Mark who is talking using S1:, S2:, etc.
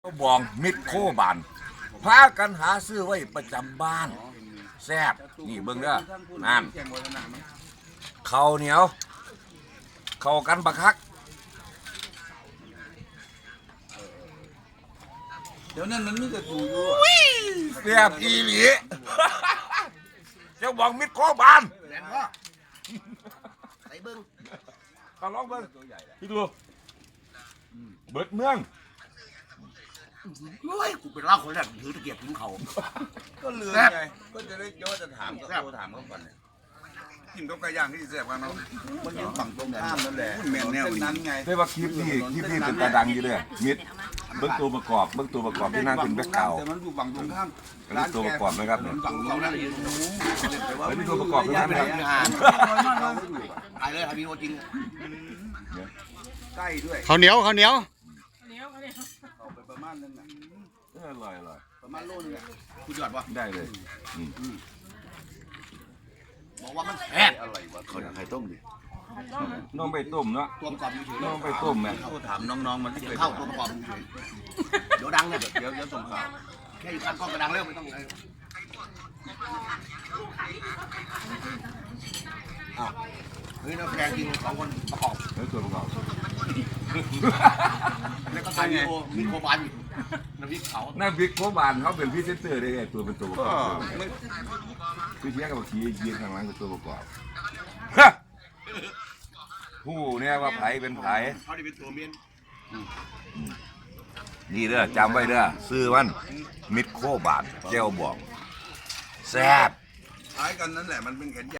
S1: ก็บองมิดโคบานพากันหาซื้อไว้ประจำบ้านแซ่บนี่เบิ่งเด้อนั่นข้าวเหนียวเข้ากันบักคัก
S2: เดี๋ยวนั้นมันมีแต่ตูอยู่
S1: แซ่บอีหลีเจ้าบองมิดโคบาน
S3: แรงพ่อใส่เบิ้ง
S1: ก็ลองเบิ่งพี่ดูเบิดเมือง
S3: เฮ้ยกูเป็นล่าคนแรกถือตะเกียบกินเขา
S2: ก็ลืมไงก็จะได้โยจะถามก็โทรถามเขาก่อนเนี่ยกินกับไก่ย่างที่แซ่บกันเนาะมันยังฝั่งตรงข้ามนั่นแหละแมนแนวนั้นไง
S1: ได้ว่าคลิปนี้เป็นตาดังอยู่เลยมิดเบิ่งตัวประกอบที่นั่งเป็นแบ็คกราวด์
S2: แต่มันอยู่ฝั่งตรงข้าม
S1: อันนี้ตัวประกอบนะครับเนี่ย
S2: ฝั่งเรานั่นเอง
S1: อันนี้ตัวประกอบทั้งนั้นนะครับ
S3: ถ่ายเลยถ่ายวีดีโอจริง
S2: ใกล้ด้วย
S4: ข้าวเหนียว
S2: เอาไปประมาณนึงน่ะ
S1: อร่อย
S2: ประมาณโลนึงอ่ะ
S3: คุณยอดวะ
S1: ได้เลย
S3: บอกว่ามันแซ่บ
S2: อะไรวะ
S3: เขาอยากไข่ต้มดิ
S1: น้องไปต้มเนาะ
S3: ตัวประกอบอยู่เฉย
S1: น้องไปต้มแม่
S2: โทรถามน้องๆมันที่เคย
S3: เข้าตัวประกอบอยู่เฉยเดี๋ยวดังเนี่ย
S2: เดี๋ยวส่งข่าว
S3: แค่อยู่ข้างกล้องก็ดังแล้วไม่ต้องเลยอ้าวเฮ้ยนักแสดงจริงสองคนประกอบ
S1: แล้วตัวประกอบ
S3: แล้วก็ถ่ายวีดีโอมีโคบานอยู่น้ำพริกเผา
S1: หน้าบิ๊กโคบานเขาเป็นพรีเซนเตอร์ได้ไงตัวเป็นตัวประก
S2: ก็
S1: อบ
S2: ไม่
S1: พี่เทียกับบักชียืนข้างหลังเป็นตัวประกอบผู้เนี่ยว่าไผเป็นไผ
S3: เขาได้เป็นตัวเมียน
S1: นี่เด้อจำไว้เด้อซื้อมันมิดโคบานเจ้าบอกแซ่บ
S2: คล้ายกันนั่นแหละมันเป็นแขน